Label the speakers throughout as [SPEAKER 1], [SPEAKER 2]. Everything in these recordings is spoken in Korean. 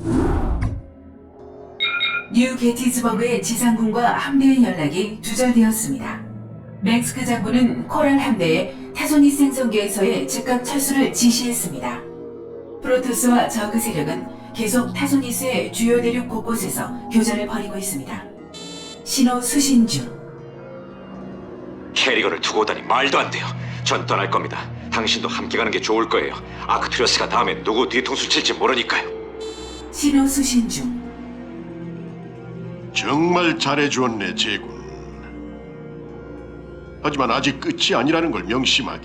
[SPEAKER 1] 뉴 게티즈버그의 지상군과 함대의 연락이 두절되었습니다. 맥스크 장군은 코랄 함대에 타소니스 행성계에서의 즉각 철수를 지시했습니다. 프로토스와 저그 세력은 계속 타소니스의 주요 대륙 곳곳에서 교전을 벌이고 있습니다. 신호 수신 중.
[SPEAKER 2] 캐리건을 두고 오다니 말도 안 돼요. 전 떠날 겁니다. 당신도 함께 가는 게 좋을 거예요. 아크투리어스가 다음에 누구 뒤통수 칠지 모르니까요.
[SPEAKER 1] 신호 수신 중.
[SPEAKER 3] 정말 잘해주었네, 제군. 하지만 아직 끝이 아니라는 걸 명심하게.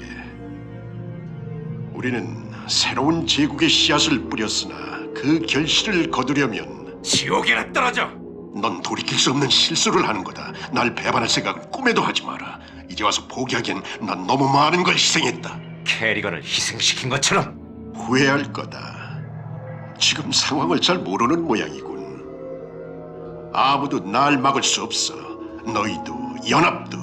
[SPEAKER 3] 우리는 새로운 제국의 씨앗을 뿌렸으나 그 결실을 거두려면
[SPEAKER 2] 지옥에나 떨어져!
[SPEAKER 3] 넌 돌이킬 수 없는 실수를 하는 거다. 날 배반할 생각은 꿈에도 하지 마라. 이제 와서 포기하기엔 난 너무 많은 걸 희생했다.
[SPEAKER 2] 캐리건을 희생시킨 것처럼.
[SPEAKER 3] 후회할 거다. 지금 상황을 잘 모르는 모양이군. 아무도 날 막을 수 없어. 너희도, 연합도,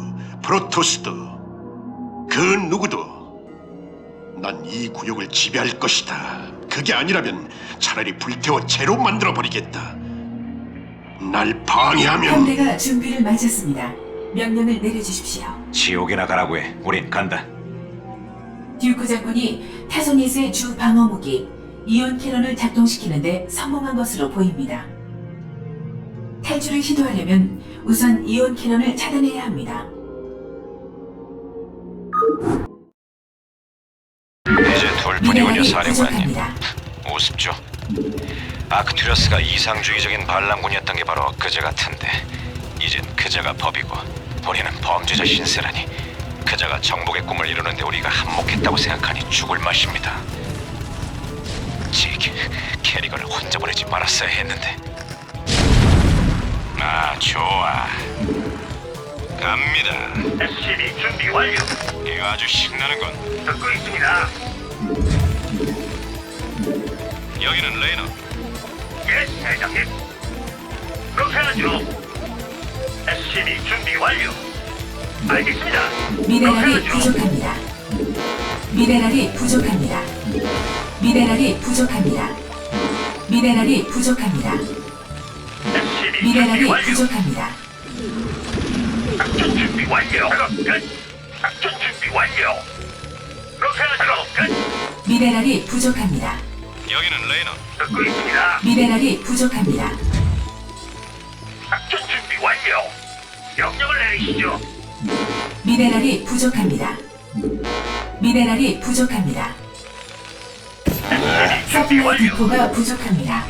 [SPEAKER 3] 프로토스도, 그 누구도. 난 이 구역을 지배할 것이다. 그게 아니라면 차라리 불태워 재로 만들어버리겠다. 날 방해하면...
[SPEAKER 1] 함대가 준비를 마쳤습니다. 명령을 내려주십시오.
[SPEAKER 2] 지옥에나 가라고 해. 우린 간다.
[SPEAKER 1] 듀크 장군이 타소니스의 주 방어 무기 이온 캐논을 작동시키는데 성공한 것으로 보입니다. 탈출을 시도하려면 우선 이온 캐논을 차단해야 합니다.
[SPEAKER 2] 이제 둘뿐이군요,
[SPEAKER 1] 미네랄이
[SPEAKER 2] 사령관님.
[SPEAKER 1] 부족합니다.
[SPEAKER 2] 우습죠. 아크투리어스가 이상주의적인 반란군이었던 게 바로 그저 같은데 이젠 그저가 법이고 우리는 범죄자 신세라니. 그저가 정복의 꿈을 이루는데 우리가 한몫했다고 생각하니 죽을 맛입니다. 캐리건을 혼자 보내지 말았어야 했는데. 아, 좋아. 갑니다.
[SPEAKER 4] SCB 준비 완료.
[SPEAKER 2] 이거 아주 신나는군.
[SPEAKER 4] 듣고 있습니다.
[SPEAKER 2] 여기는 레이너.
[SPEAKER 4] 예, 대장님. 그렇게 하죠. SCB 준비 완료. 알겠습니다.
[SPEAKER 1] 미네랄이
[SPEAKER 4] 그렇게 하죠.
[SPEAKER 1] 부족합니다. 미네랄이 부족합니다. 미네랄이 부족합니다. 미네랄이 부족합니다.
[SPEAKER 4] SCB
[SPEAKER 1] 미네랄이
[SPEAKER 4] 준비 완료.
[SPEAKER 1] 부족합니다.
[SPEAKER 4] 작전 준비 완료. 작업 끝. 작전 준비 완료. 그렇게 하죠. 끝.
[SPEAKER 1] 미네랄이 부족합니다.
[SPEAKER 2] 여기는 레이너.
[SPEAKER 4] 듣고 있습니다.
[SPEAKER 1] 미네랄이 부족합니다.
[SPEAKER 4] 작전 준비 완료. 명령을 내리시죠.
[SPEAKER 1] 미네랄이 부족합니다. 미네랄이 부족합니다.
[SPEAKER 4] SCB 준비
[SPEAKER 1] 서플라이
[SPEAKER 4] 완료.
[SPEAKER 1] 디포가 부족합니다.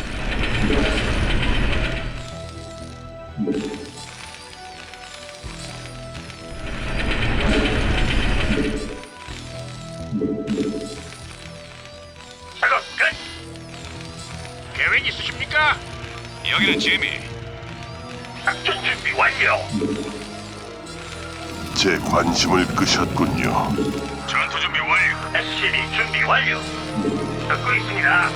[SPEAKER 4] 작업 끝. 계획 있으십니까?
[SPEAKER 2] 여기는 지미.
[SPEAKER 4] 작전 준비 완료.
[SPEAKER 3] 제 관심을 끄셨군요.
[SPEAKER 4] 전투 준비 완료. SCB 준비 완료. 듣고 있습니다.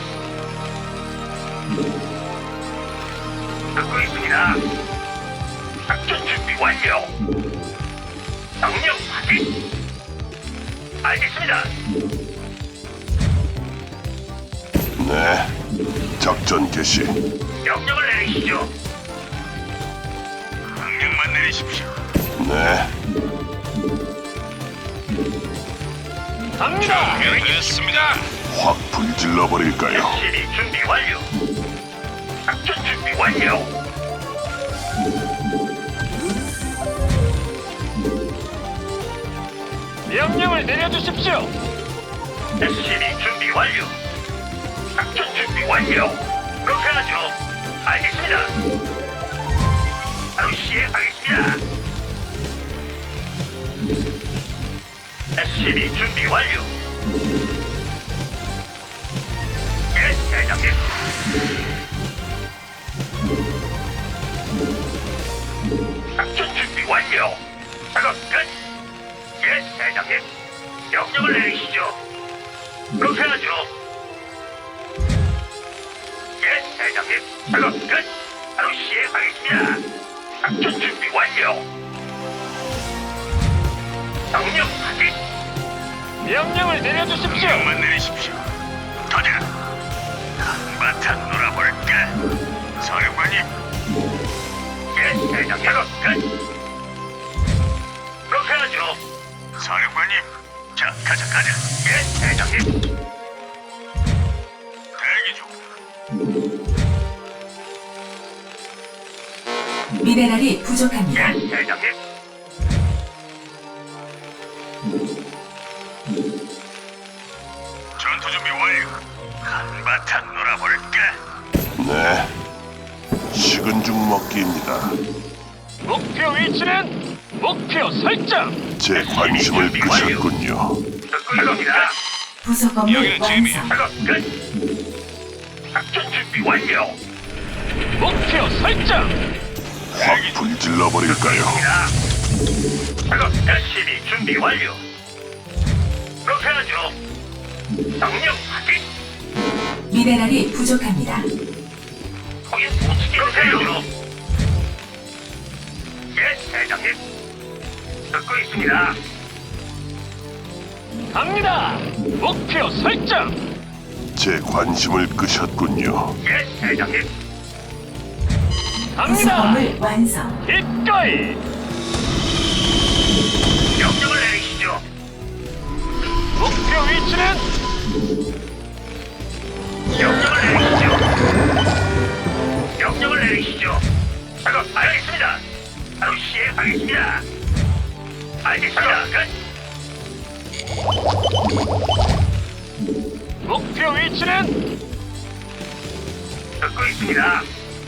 [SPEAKER 4] 듣고 있습니다. 작전 준비 완료. 명령 확인. 알겠습니다.
[SPEAKER 3] 네, 작전 개시.
[SPEAKER 4] 명령을 내리시죠. 명령만 내리십시오.
[SPEAKER 3] 네,
[SPEAKER 4] 갑니다.
[SPEAKER 2] 됐습니다.
[SPEAKER 3] 확 불질러 버릴까요?
[SPEAKER 4] SCB 준비 완료. 작전 준비 완료.
[SPEAKER 5] 명령을 내려주십시오.
[SPEAKER 4] SCB 준비 완료. 작전 준비 완료. 그렇게 하죠. 알겠습니다. 바로 시행하겠습니다. SCB 준비 완료. 예, 대장님. 작전 준비 완료. 작업 끝. 예, 대장님. 명령을 내리시죠. 그렇게 하죠. 예, 대장님. 작업 끝. 바로 시행하겠습니다. 작전 준비 완료. 명령 확인.
[SPEAKER 5] 명령을 내려주십시오.
[SPEAKER 4] 명만 내리십시오. 가자. 한바탕 놀아볼까? 사령관님, 자, 가자. 예, 대장님. 대기 중.
[SPEAKER 1] 미네랄이 부족합니다.
[SPEAKER 4] 예, 대장님. 전투 준비 완료. 한바탕 놀아볼까?
[SPEAKER 3] 네. 식은 죽 먹기입니다.
[SPEAKER 5] 목표 위치는 목표 설정.
[SPEAKER 3] 제 관심을 끄셨군요.
[SPEAKER 4] 듣고 있습니다.
[SPEAKER 1] 부속 건물
[SPEAKER 2] 여기는 지금이야.
[SPEAKER 1] 완성.
[SPEAKER 4] 작업 끝. 작전 준비 완료.
[SPEAKER 5] 목표 설정.
[SPEAKER 3] 확 불질러 버릴까요?
[SPEAKER 4] 작업 열심히 준비 완료. 그렇게 하죠. 명령 확인.
[SPEAKER 1] 미네랄이 부족합니다.
[SPEAKER 4] 거기 어떻게 하세요? 예, 대장님. 듣고 있습니다.
[SPEAKER 5] 갑니다. 목표 설정.
[SPEAKER 3] 제 관심을 끄셨군요.
[SPEAKER 4] 예, 대장님.
[SPEAKER 1] 부속
[SPEAKER 5] 갑니다.
[SPEAKER 1] 건물 완성.
[SPEAKER 5] 기꺼이.
[SPEAKER 4] 명령을 내리시죠.
[SPEAKER 5] 목표 위치는
[SPEAKER 4] 명령을 내리시죠. 명령을 내리시죠. 작업 알겠습니다. 바로 시행하겠습니다. 알겠습니다. 끝.
[SPEAKER 5] 목표 위치는
[SPEAKER 4] 듣고 있습니다.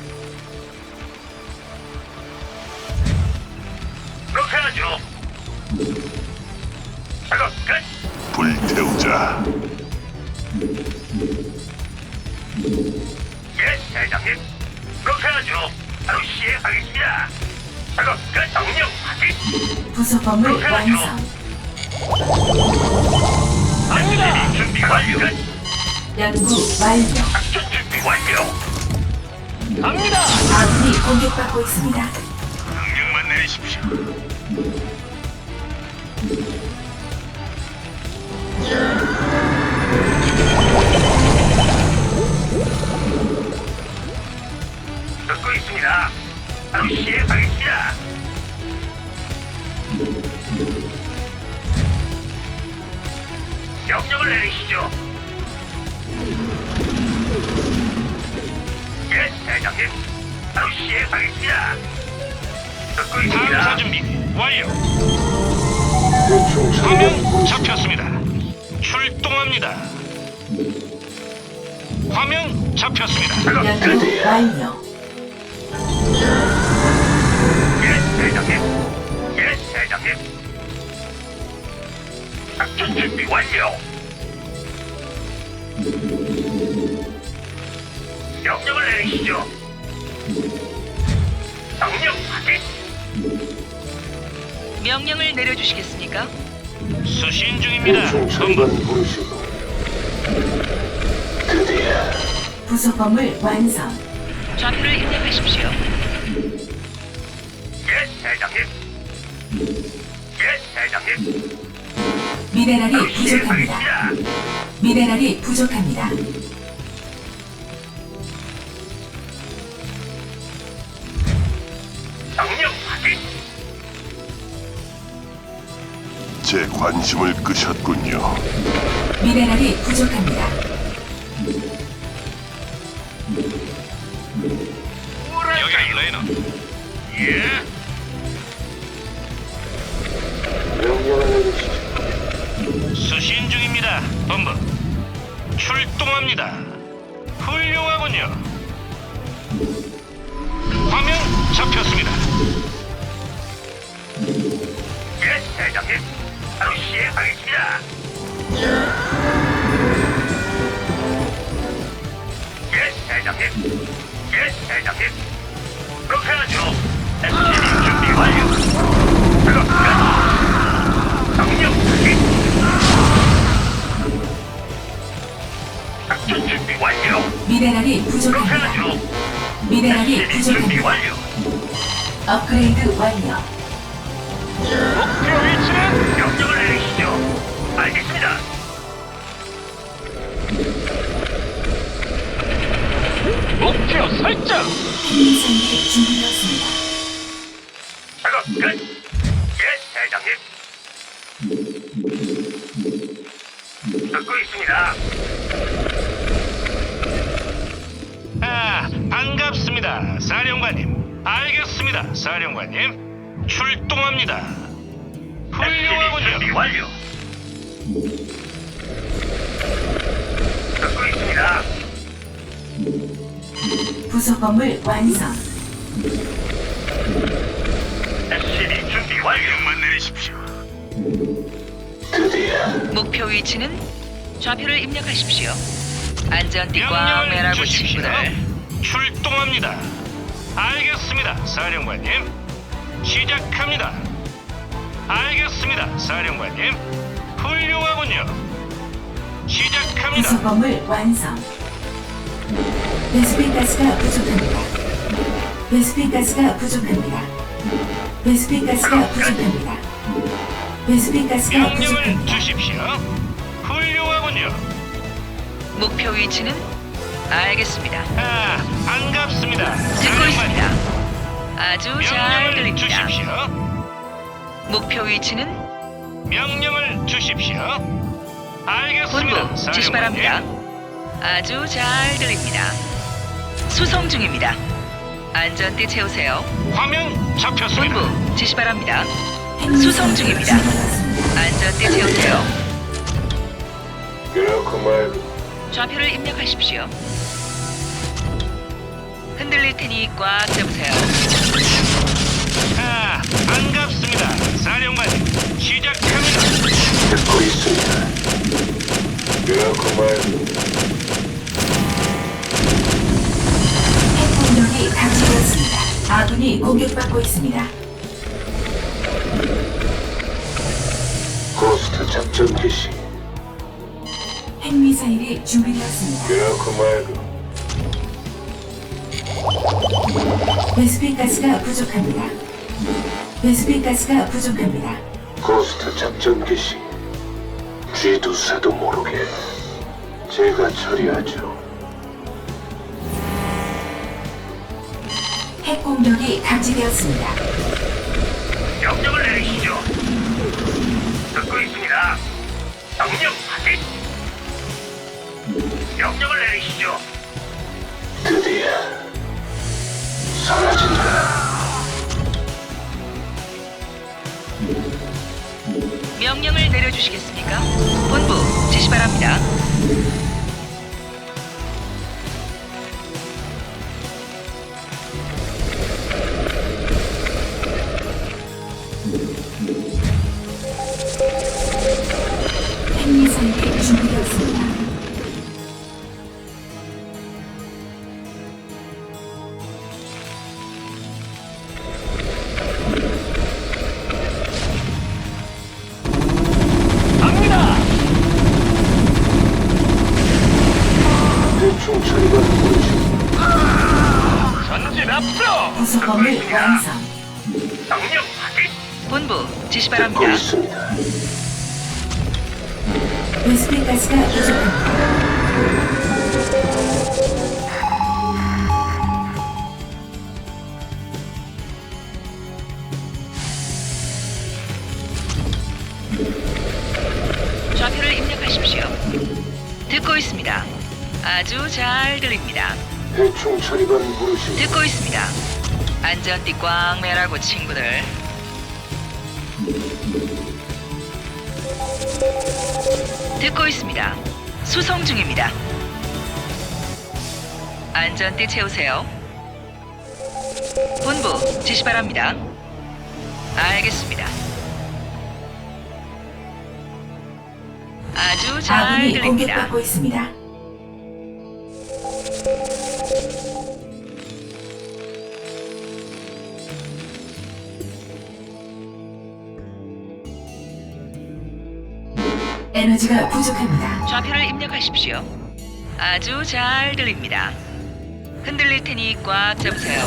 [SPEAKER 4] 그렇게 하죠. 작업 끝.
[SPEAKER 3] 불태우자.
[SPEAKER 4] 예, 대장님. 그렇게 하죠. 바로 시행하겠습니다. 작업 끝. 명령 확인.
[SPEAKER 1] 부속 건물 완성.
[SPEAKER 5] 갑니다.
[SPEAKER 4] 준비 완료. 끝.
[SPEAKER 1] 연구 완료.
[SPEAKER 4] 작전 준비 완료.
[SPEAKER 5] 갑니다.
[SPEAKER 1] 아군이 공격받고 있습니다.
[SPEAKER 4] 명령만 내리십시오. 듣고 있습니다. 바로 시행하겠습니다. 명령을 내리시죠. 예, 대장님. 바로 시행하겠습니다. 듣고 있습니다.
[SPEAKER 5] 준비 완료. 화면 잡혔습니다. 출동합니다. 화면 잡혔습니다.
[SPEAKER 4] 작업
[SPEAKER 1] 연구
[SPEAKER 4] 끝.
[SPEAKER 1] 완료.
[SPEAKER 4] 예, 대장님. 예, 대장님. 작전 준비 완료. 명령을 내리시죠. 명령 확인.
[SPEAKER 6] 명령을 내려주시겠습니까?
[SPEAKER 5] 수신 중입니다. 본부.
[SPEAKER 1] 부속 건물 완성.
[SPEAKER 6] 좌표를 입력하십시오.
[SPEAKER 4] 예, 대장님. 예, 대장님.
[SPEAKER 1] 미네랄이
[SPEAKER 4] 바로
[SPEAKER 1] 부족합니다.
[SPEAKER 4] 시행하겠습니다.
[SPEAKER 1] 미네랄이 부족합니다.
[SPEAKER 4] 명령 확인.
[SPEAKER 3] 제 관심을 끄셨군요.
[SPEAKER 1] 미네랄이 부족합니다.
[SPEAKER 2] 여기 레이너.
[SPEAKER 4] 예.
[SPEAKER 5] 수신 중입니다. 본부. 출동합니다. 훌륭하군요. 화면 잡혔습니다.
[SPEAKER 4] 예, 대장님. 바로 시행하겠습니다. 예, 대장님. 예, 대장님. 그렇게 하죠. SCV 준비 완료. 작업 끝. 명령 확인. 작전 준비 완료.
[SPEAKER 1] 미네랄이
[SPEAKER 4] 그렇게
[SPEAKER 1] 부족합니다.
[SPEAKER 4] 하죠.
[SPEAKER 1] 미네랄이
[SPEAKER 4] SCV 준비
[SPEAKER 1] 부족합니다.
[SPEAKER 4] 완료.
[SPEAKER 1] 업그레이드 완료.
[SPEAKER 5] 목표 위치는
[SPEAKER 4] 명령을 내리시죠. 알겠습니다.
[SPEAKER 5] 목표 설정.
[SPEAKER 1] 비밀선이 준비되었습니다.
[SPEAKER 4] 작업 끝. 예, 대장님.
[SPEAKER 5] 알겠습니다, 사령관님. 출동합니다.
[SPEAKER 4] 준비
[SPEAKER 5] 훌륭하군요.
[SPEAKER 4] 완료. 듣고 있습니다.
[SPEAKER 1] 부속 건물 완성.
[SPEAKER 4] SCB 준비 완료.
[SPEAKER 5] 명만 내리십시오.
[SPEAKER 6] 목표 위치는 좌표를 입력하십시오. 안전띠 꽝
[SPEAKER 5] 명령을
[SPEAKER 6] 매라고
[SPEAKER 5] 주십시오.
[SPEAKER 6] 친구들.
[SPEAKER 5] 출동합니다. 알겠습니다, 사령관님. 시작합니다. 알겠습니다, 사령관님. 훌륭하군요. 시작합니다.
[SPEAKER 1] 부속 건물 완성. 베스핀 가스가 부족합니다. 베스핀 가스가 부족합니다. 베스핀 가스가 부족합니다. 베스핀 가스가
[SPEAKER 5] 명령을
[SPEAKER 1] 부족합니다.
[SPEAKER 5] 주십시오. 훌륭하군요.
[SPEAKER 6] 목표 위치는 알겠습니다.
[SPEAKER 5] 아, 반갑습니다.
[SPEAKER 6] 듣고 있습니다. 아주 잘
[SPEAKER 5] 명령을
[SPEAKER 6] 들립니다.
[SPEAKER 5] 주십시오.
[SPEAKER 6] 목표 위치는
[SPEAKER 5] 명령을 주십시오. 알겠습니다.
[SPEAKER 6] 본부 지시 바랍니다. 아주 잘 들립니다. 수송 중입니다. 안전띠 채우세요.
[SPEAKER 5] 화면 잡혔습니다.
[SPEAKER 6] 본부 지시 바랍니다.
[SPEAKER 1] 핵미사일이
[SPEAKER 6] 수송 중입니다.
[SPEAKER 1] 준비되었습니다.
[SPEAKER 6] 안전띠 채우세요.
[SPEAKER 3] 그렇고 말고
[SPEAKER 6] 좌표를 입력하십시오. 흔들릴 테니 꽉 잡으세요.
[SPEAKER 5] 아, 반갑습니다. 사령관님, 시작합니다.
[SPEAKER 3] 듣고 있습니다. 그렇고 말고
[SPEAKER 1] 핵 공격이 감지되었습니다. 아군이 공격받고 있습니다.
[SPEAKER 3] 고스트 작전 개시.
[SPEAKER 1] 핵미사일이 준비되었습니다.
[SPEAKER 3] 그렇고 말고
[SPEAKER 1] 베스핀 가스가 부족합니다. 베스핀 가스가 부족합니다.
[SPEAKER 3] 고스트 작전 개시. 쥐두새도 모르게 제가 처리하죠.
[SPEAKER 1] 핵 공격이 감지되었습니다.
[SPEAKER 4] 명령을 내리시죠. 듣고 있습니다. 명령 확인. 명령을 내리시죠.
[SPEAKER 3] 드디어 사라진다.
[SPEAKER 6] 명령을 내려주시겠습니까? 본부 지시 바랍니다.
[SPEAKER 1] 핵미사일이 준비되었습니다.
[SPEAKER 5] 갑니다.
[SPEAKER 3] 대충 처리가 되지.
[SPEAKER 5] 전진 앞으로.
[SPEAKER 1] 부속 건물 완성.
[SPEAKER 4] 명령 확인.
[SPEAKER 6] 본부 지시
[SPEAKER 3] 듣고
[SPEAKER 6] 바랍니다.
[SPEAKER 3] 있습니다.
[SPEAKER 1] 베스핀 가스가 부족합니다.
[SPEAKER 6] 좌표를 입력하십시오. 듣고 있습니다. 아주 잘 들립니다.
[SPEAKER 3] 대충 처리반 부르시.
[SPEAKER 6] 듣고 있습니다. 안전띠 꽝 매라고 친구들. 듣고 있습니다. 수송 중입니다. 안전띠 채우세요. 본부 지시 바랍니다. 알겠습니다. 아주 잘
[SPEAKER 1] 아군이
[SPEAKER 6] 들립니다.
[SPEAKER 1] 공격받고 있습니다. 에너지가 부족합니다.
[SPEAKER 6] 좌표를 입력하십시오. 아주 잘 들립니다. 흔들릴 테니 꽉 잡으세요.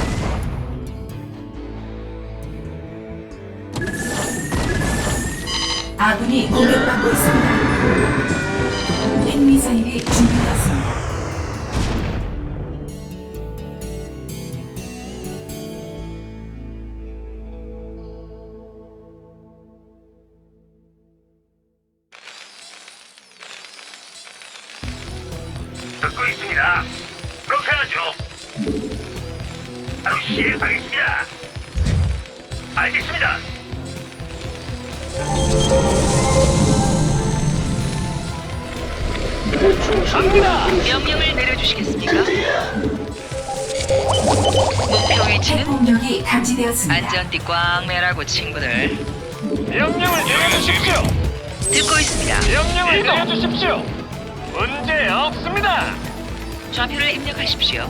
[SPEAKER 1] 아군이 공격받고 있습니다. 핵미사일이 준비되었습니다.
[SPEAKER 4] 듣고 있습니다. 그렇게 하죠. 바로 시행하겠습니다. 알겠습니다.
[SPEAKER 5] 갑니다.
[SPEAKER 6] 명령을 내려주시겠습니까? 목표 위치는
[SPEAKER 1] 핵공격이 감지되었습니다.
[SPEAKER 6] 안전띠 꽝 매라고 친구들.
[SPEAKER 5] 명령을 내려주십시오.
[SPEAKER 6] 듣고 있습니다.
[SPEAKER 5] 명령을 내려주십시오. 문제 없습니다.
[SPEAKER 6] 좌표를 입력하십시오.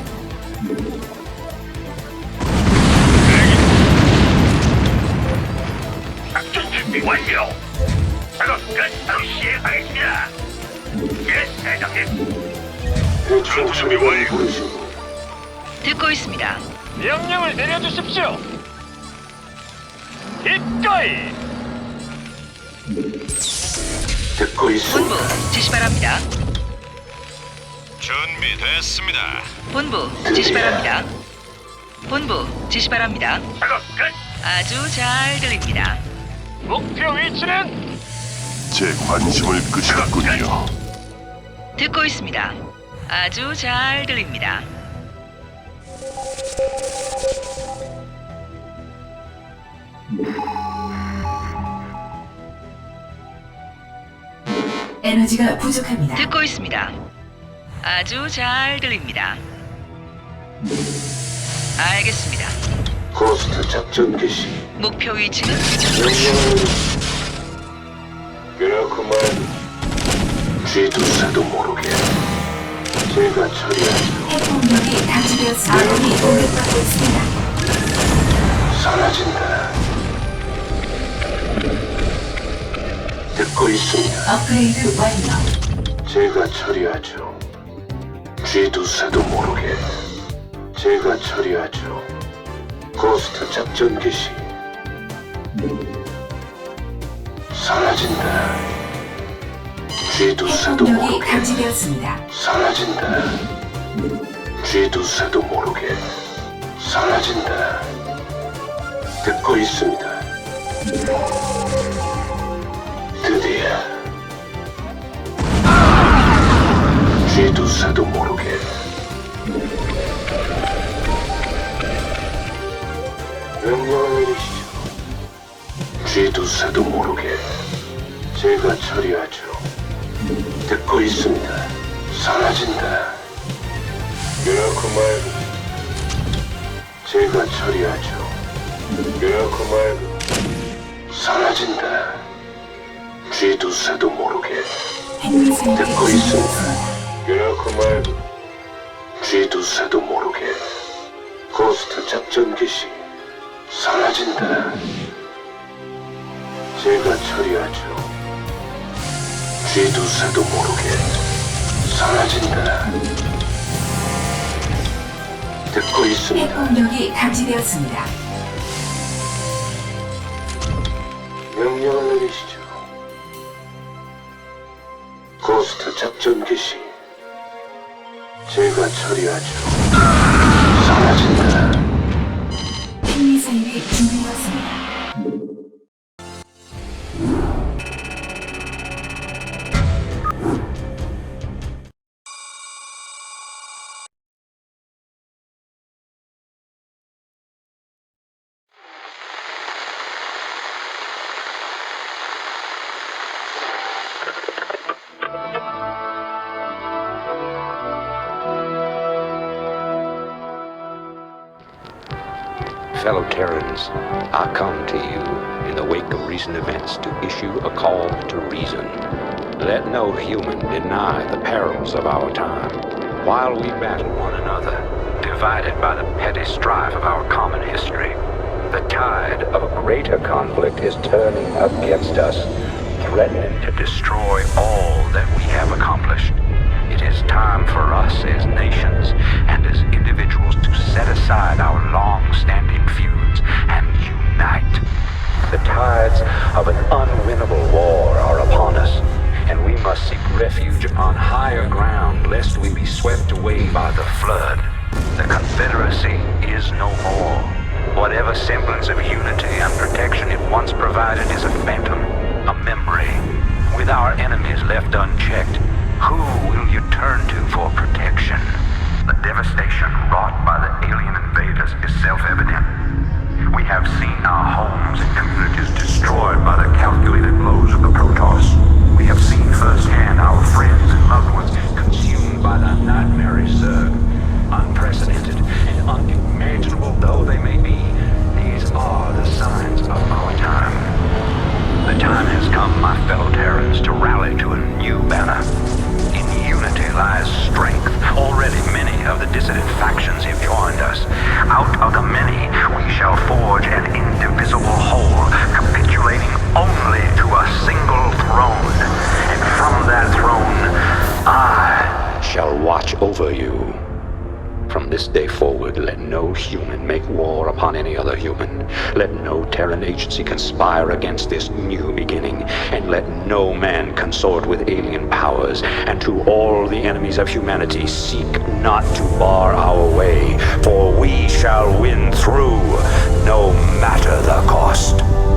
[SPEAKER 4] 작전 준비 완료. 작업 끝. 바로 시행하겠습니다. 예, 대장님. 전투 준비 완료.
[SPEAKER 6] 듣고 있습니다.
[SPEAKER 5] 명령을 내려주십시오. 기꺼이.
[SPEAKER 6] 본부 지시 바랍니다.
[SPEAKER 2] 준비됐습니다.
[SPEAKER 6] 본부 지시 바랍니다. 본부 지시 바랍니다.
[SPEAKER 4] 작업 끝.
[SPEAKER 6] 아주 잘 들립니다.
[SPEAKER 5] 목표 위치는
[SPEAKER 3] 제 관심을 끄셨군요.
[SPEAKER 6] 듣고 있습니다. 아주 잘 들립니다.
[SPEAKER 1] 에너지가 부족합니다.
[SPEAKER 6] 듣고 있습니다. 아주 잘 들립니다. 알겠습니다.
[SPEAKER 3] 고스트 작전 개시.
[SPEAKER 6] 목표 위치는
[SPEAKER 3] 그렇구만. 쥐두새도 모르게 제가 처리하죠.
[SPEAKER 1] 핵공격이 감지되었습니다. 아군이 공격받고 있습니다.
[SPEAKER 3] 사라진다. 듣고 있습니다.
[SPEAKER 1] 업그레이드 완료.
[SPEAKER 3] 제가 처리하죠. 쥐두새도 모르게 제가 처리하죠. 고스트 작전 개시. 사라진다. 쥐두새도
[SPEAKER 1] 핵공격이
[SPEAKER 3] 모르게
[SPEAKER 1] 감지되었습니다.
[SPEAKER 3] 사라진다. 쥐두새도 모르게 사라진다. 듣고 있습니다. 드디어 쥐두새도 모르게 명령을 내리시죠. 쥐두새도 모르게 제가 처리하죠. 듣고 있습니다. 사라진다. 그렇고 말고 제가 처리하죠. 그렇고 말고 사라진다. 쥐두새도 모르게
[SPEAKER 1] 핵미사일이
[SPEAKER 3] 듣고 있습니다.
[SPEAKER 1] 준비되었습니다.
[SPEAKER 3] 그렇고 말고 쥐두새도 모르게 고스트 작전 개시. 사라진다. 제가 처리하죠. 쥐두새도 모르게 사라진다. 듣고 있습니다.
[SPEAKER 1] 핵공격이 감지되었습니다.
[SPEAKER 3] 명령을 내리시죠. 고스트 작전 개시. 제가 처리하죠. 사라진다.
[SPEAKER 1] 핵미사일이 준비되었습니다.
[SPEAKER 7] Fellow Terrans, I come to you in the wake of recent events to issue a call to reason. Let no human deny the perils of our time. While we battle one another, divided by the petty strife of our common history, the tide of a greater conflict is turning against us, threatening to destroy all that we have accomplished. It is time for us as nations and as individuals to set aside our long-standing feuds and unite. The tides of an unwinnable war are upon us, and we must seek refuge upon higher ground lest we be swept away by the flood. The Confederacy is no more. Whatever semblance of unity and protection it once provided is a phantom, a memory. With our enemies left unchecked, who will you turn to for protection? The devastation wrought by the alien invaders is nightmares, sir. Unprecedented and unimaginable though they may be, these are the signs of our time. The time has come, my fellow Terrans, to rally to a new banner. In unity lies strength. Already many of the dissident factions have joined us. Out of the many, we shall forge an indivisible whole, capitulating only to a single throne. And from that throne, I shall watch over you. From this day forward, let no human make war upon any other human. Let no Terran agency conspire against this new beginning. And let no man consort with alien powers. And to all the enemies of humanity, seek not to bar our way, for we shall win through, no matter the cost.